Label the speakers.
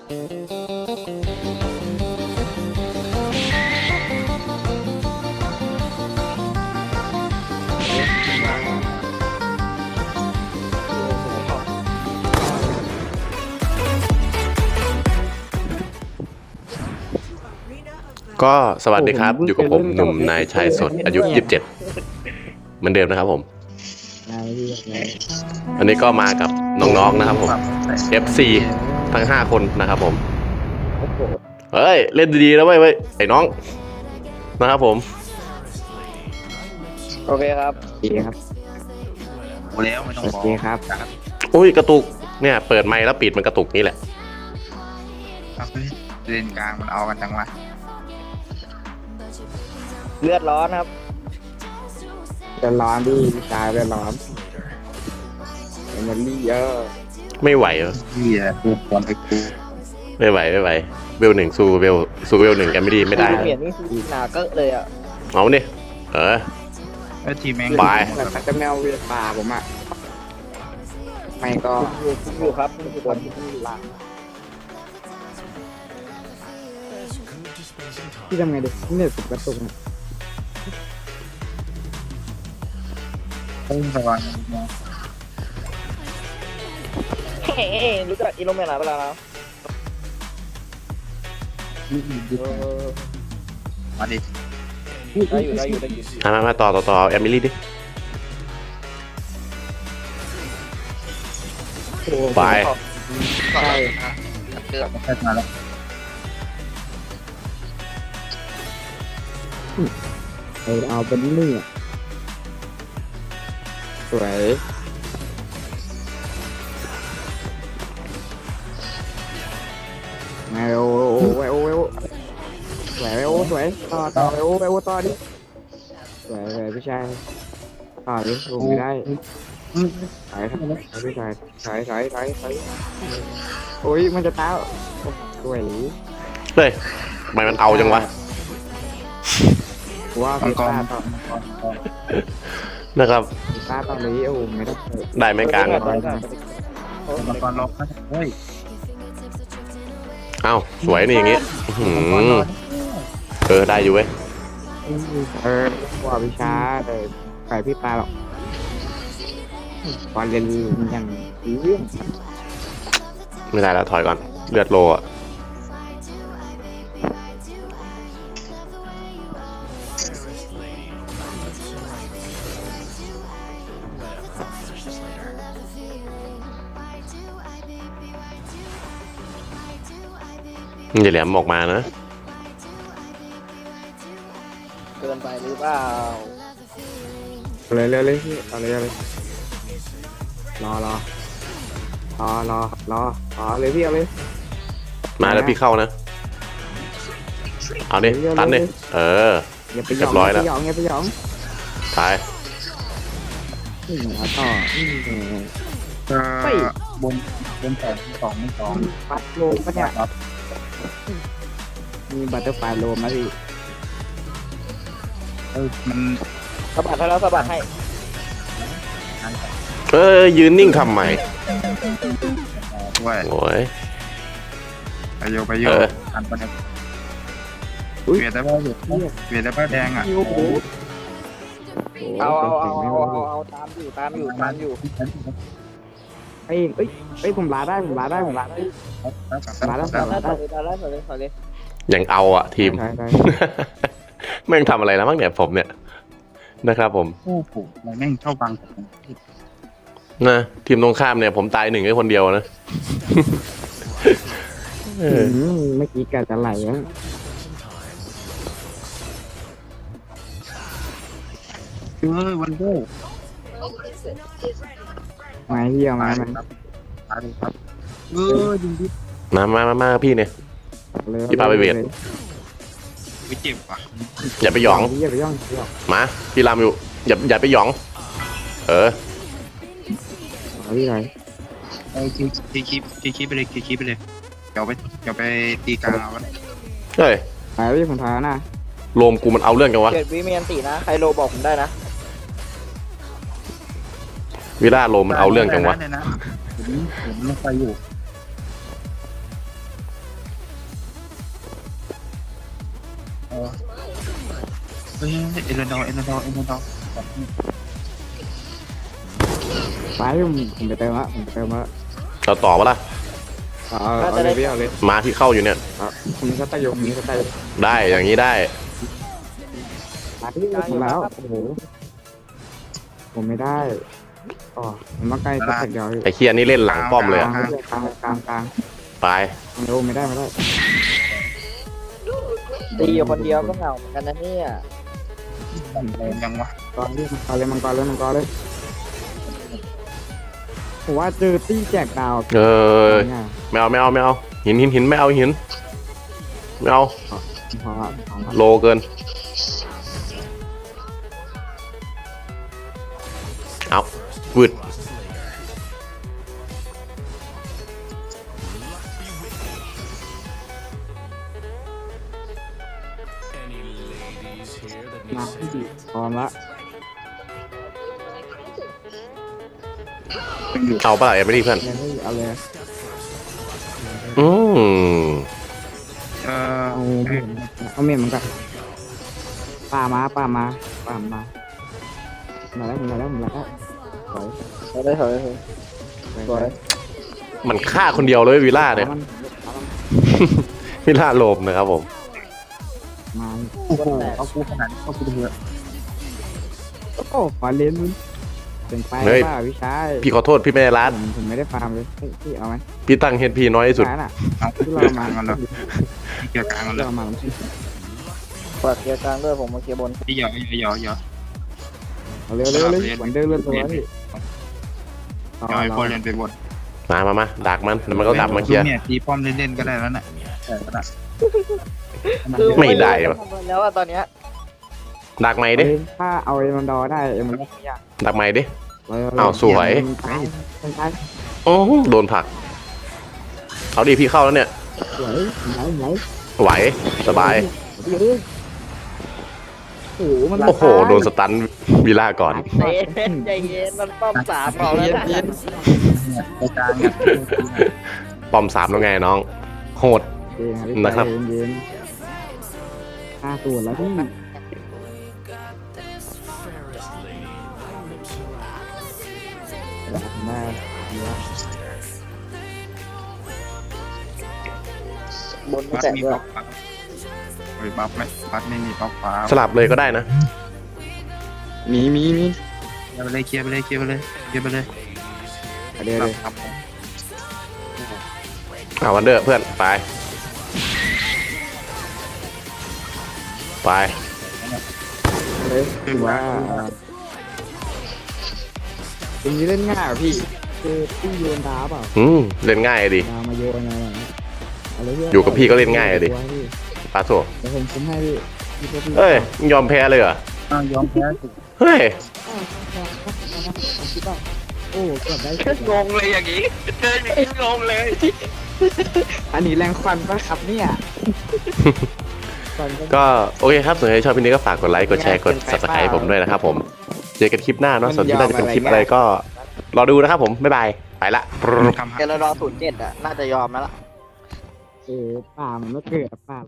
Speaker 1: ก็สวัสดีครับอยู่กับผมหนุ่มนายชายสดอายุ27เหมือนเดิมนะครับผมอันนี้ก็มากับน้องๆนะครับผม FC ทั้ง5คนนะครับผมเฮ้ยเล่นดีๆแล้วเว้ยไอ้น้องนะครับผม
Speaker 2: โอเคครับ
Speaker 3: ดีครับ
Speaker 4: โอ้แล้วไม่ต้องบอก
Speaker 3: ดีครับ
Speaker 1: อุ้ยกระตุกเนี่ยเปิดไมค์แล้วปิดมันกระตุกนี่แหละ
Speaker 4: ครับเลนกลางมันเอากันจังวะ
Speaker 2: เลือดร้อนครับ
Speaker 3: เดือดร้อนดิพี่ชายเดือดร้อนเอเนอรี่เยอะ
Speaker 1: ไม่ไหวเหรอ
Speaker 4: พี่อะกูควรไปกู
Speaker 1: ไม่ไหวเวลหนึ่งสู้เวลหนึ่งกันไม่ได้
Speaker 2: เปลี่ยนนี่คือหนาเกอะเลยอ่ะ
Speaker 1: เอาเนี่ย
Speaker 4: แล้วทีแม่ง
Speaker 1: ไป
Speaker 3: แต่ถ้าจะแมวเวียนป่าผมอ่ะไม่ก็
Speaker 2: อยู่ครับนี่คือคนที่หลัง
Speaker 3: พี่ทำไงดิเนี่ยสุดกระตุกเนี่ย
Speaker 4: พุ่งสว่าง
Speaker 2: เฮ้รู้จักอิโนเมะหลายเวลาแล้ว
Speaker 4: มาดิ
Speaker 2: ได้อยู่
Speaker 1: มาต่อแอมิลี่ดิไป
Speaker 3: ใช่
Speaker 4: เดือดไม่ใช่มาแล้ว
Speaker 3: เอาเป็นนี่อ่ะสวยไงโอ้สวยต่อต่อดิสวยพี่ชายต่อดิลงไม่ได้ถอยพี่ชายถอยโอ้ยมันจะตายสวย
Speaker 1: เฮ้ยทำไมมันเอาจังวะ
Speaker 3: ว่า
Speaker 4: มัง
Speaker 3: พี่
Speaker 4: กร
Speaker 3: ตาต่อ
Speaker 1: นะครับ
Speaker 3: พี่ตาต่อเลยโอ้ไม่ได้
Speaker 1: ได้ไหมกลาง
Speaker 4: มังกรล็อกนะเฮ้ย
Speaker 1: เอ้าสวยนี่อย่างงี้ได้อยู่เว้ย
Speaker 3: ว่าพี่ช้าแต่ใส่พี่ตาหรอกตอนเรียนอย่างเรื่อง
Speaker 1: ไม่ได้แล้วถอยก่อนเลือดโลอ่ะอย่าแหลมออกมานะ
Speaker 2: เกินไปหรือเปล่า
Speaker 3: เลยเอาเลยรอเลยพี่เอาเลย
Speaker 1: มาแล้วพี่เข้านะเอาดิตันดิ
Speaker 3: อย่าไปหย
Speaker 1: เรียบร้อยแล้ว
Speaker 3: อย่าไปหยอง
Speaker 1: ตาย
Speaker 3: ต่อ
Speaker 4: บนสอง
Speaker 3: ปัดโลมปะเนี่ย
Speaker 4: ครับ
Speaker 3: มีบัตเตอร์ไฟโลมนะพี่
Speaker 4: มัน
Speaker 2: สะบัดให้แล้วสะบัดให้
Speaker 1: ยืนนิ่งทำไม
Speaker 4: ด้วย
Speaker 1: โอ้ย
Speaker 4: ไปโยอันประเด็นเวียดได้ป่ะเวียดได้ป่ะแดงอ่ะ
Speaker 2: เอาตามอยู่
Speaker 3: เฮ้ยผมลาได้
Speaker 2: ได้เลย
Speaker 1: ยังเอาอ่ะทีม แม่งทำอะไรแล้วมั้งเนี่ยผมเนี่ยนะครับผม
Speaker 4: โอ้โหมันแม่งเข้าบัง
Speaker 1: นะทีมตรงข้ามเนี่ยผมตาย1แค่คนเดียวนะ
Speaker 3: เมื่อกี้กะจะไหลอ่ะ
Speaker 4: วันโก้
Speaker 3: มาพี่เอามามัน
Speaker 4: ครับยิงดิ
Speaker 1: มาพี่เนี่ย พี่พาไปเวท
Speaker 4: ไม่เจ็บว่ะ
Speaker 1: อย่าไปหยอง
Speaker 3: อย่าไปย่อง
Speaker 1: มาพี่รามอยู่อย่าไปหยอง
Speaker 3: พี่ไหน
Speaker 4: คีไปเลยเดี๋ยวไปตีกลางเอากัน
Speaker 1: เฮ้ย
Speaker 3: ไปพี่ผมทานะ
Speaker 1: โลมกูมันเอาเรื่องกันวะ
Speaker 2: เกิดวิเมียนตีนะใครโลบอกผมได้นะ
Speaker 1: วิล่าโลมมันเอาเรื่องกันวะ
Speaker 4: ผมลงไปอยู่เฮ้ยเอเลนดอร์
Speaker 3: ไปผมไปเติมละ
Speaker 1: เราต่อปะล่ะ
Speaker 3: เอาเลยพี่เอาเลย
Speaker 1: มาที่เข้าอยู่เนี่ย
Speaker 3: ผมมีสไตล์อยู่
Speaker 1: ได้อย่างนี้ได้
Speaker 3: มาที่ผมแล้วโอ้โหผมไม่ได้อ๋อผมมาใกล้สักเดียว
Speaker 1: ไอ้เคียนี่เล่นหลังป้อมเลยอะ
Speaker 3: กลาง
Speaker 1: ไป
Speaker 3: ไม่ได้
Speaker 2: ตีอยู่คนเดียวก็เหงาเหมือนกันนะเนี่ย
Speaker 4: ยังวะ
Speaker 3: ก่อนที่มังกรเลยผมว่าเจอตี้แจกดาว
Speaker 1: ไม่เอาหินไม่เอาหินไม่เอา
Speaker 3: พอ
Speaker 1: โลเกินเอาวืด
Speaker 3: มาที่ดีพร้อมละ
Speaker 1: เอาปะล่ะไม่ดีเพื่อน
Speaker 3: เอาเลย
Speaker 1: อืม
Speaker 3: เอาเมียมันกันป่ามามาแล้วถอย
Speaker 2: ถอย
Speaker 1: มันฆ่าคนเดียวเลยวิลล่าเนี่ย วิลล่าโลมนะครับผม
Speaker 3: มา
Speaker 4: โอ้โหเอากูขนาดนี้เอากูเถอะ
Speaker 3: โอ้ขอเลนมึงเป็นไปป่าวิชัย
Speaker 1: พี่ขอโทษพี่ไม่ได้ร้าน
Speaker 3: ผมไม่ได้ฟาร์มเลยพี่เอาไหม
Speaker 1: พี่ตั้งเฮดพีน้อยที่สุด
Speaker 3: น่ะ
Speaker 4: เอา
Speaker 3: ที่เรามา
Speaker 4: กันเลยเกี่ยวกลางกันเลย
Speaker 3: เรามา
Speaker 2: เปิดเคลียร์กลางด้วยผมมาเคลียร์บน
Speaker 4: ที่หยอ
Speaker 3: เร็วเหมือนเดิมเลยตัวนี่
Speaker 4: หยอไอ้พอเล่นไปบน
Speaker 1: มาดักมันแล้วมันก็กลับมาเคลียร์
Speaker 4: เนี่ยตีป้อมเล่นๆก็ได้แล้วน่ะก็ได้
Speaker 1: ไม่ได้วะ
Speaker 2: แล้วอะตอนเนี้ย
Speaker 1: ดักไหมดิ
Speaker 3: ถ้าเอาเอ็มดอได้มันไม่ยาก
Speaker 1: ดักไหมดิ อ้าวสวย โอ้โดนผลัก เอาดิพี่เข้าแล้วเนี่ย
Speaker 3: สวยไหน
Speaker 1: ไหวสบาย
Speaker 3: โอ้โหมัน
Speaker 1: โอ้โหโดนสตันวิลล่าก่อน
Speaker 2: ใจเย็นมันป้อมสามเราแล้วนะ
Speaker 4: ในกลางเนี่ย
Speaker 1: ปอม3แล้วไงน้อง โหด นะครับ
Speaker 3: เย็น5ตัวแล้วพี่ได้
Speaker 2: บนไม่
Speaker 4: บัฟ
Speaker 2: แตก
Speaker 4: มี
Speaker 2: ด้วย
Speaker 4: บัฟเฮ้ยบัฟไหมบัฟไม่มีบัฟฟ้า
Speaker 1: สลับเลยก็ได้นะ
Speaker 3: มี
Speaker 4: เคลียร์ไปเลย
Speaker 3: เดี๋ยว
Speaker 4: ครับ
Speaker 1: เอาวันเดอร์เพื่อนไป
Speaker 3: เลยถือว่าเป็นนี้เล่นง่ายพี่คือพี่โยนดาเปล่า
Speaker 1: เล่นง่ายดิ
Speaker 3: ดามาโยนอะไร
Speaker 1: อยู่กับพี่ก็เล่นง่ายดิ ปาโถ
Speaker 3: เดี๋ยวผมคุ้มให้พี่
Speaker 1: เอ้ยมึงยอมแพ้เลยเหรอ
Speaker 4: ยอมแพ้สิ
Speaker 1: เฮ้ย
Speaker 3: โอ้เกือบได้
Speaker 2: งงเลยอย่างนี้เจออย่างนี้งงเลย
Speaker 3: อันนี้แรงควันปะครับเนี่ย
Speaker 1: ก็โอเคครับส่วนใครชอบคลิปนี้ก็ฝากกดไลค์ กดแชร์ กด subscribe ให้ผมด้วยนะครับผม เจอกันคลิปหน้าเนาะ ส่วนที่น่าจะเป็นคลิปอะไรก็รอดูนะครับผม บ๊ายบาย ไปละ
Speaker 2: เกลรอ07อ่ะน่าจะยอมแล้วล่ะ
Speaker 3: ป่ามันไม่เกิดป่า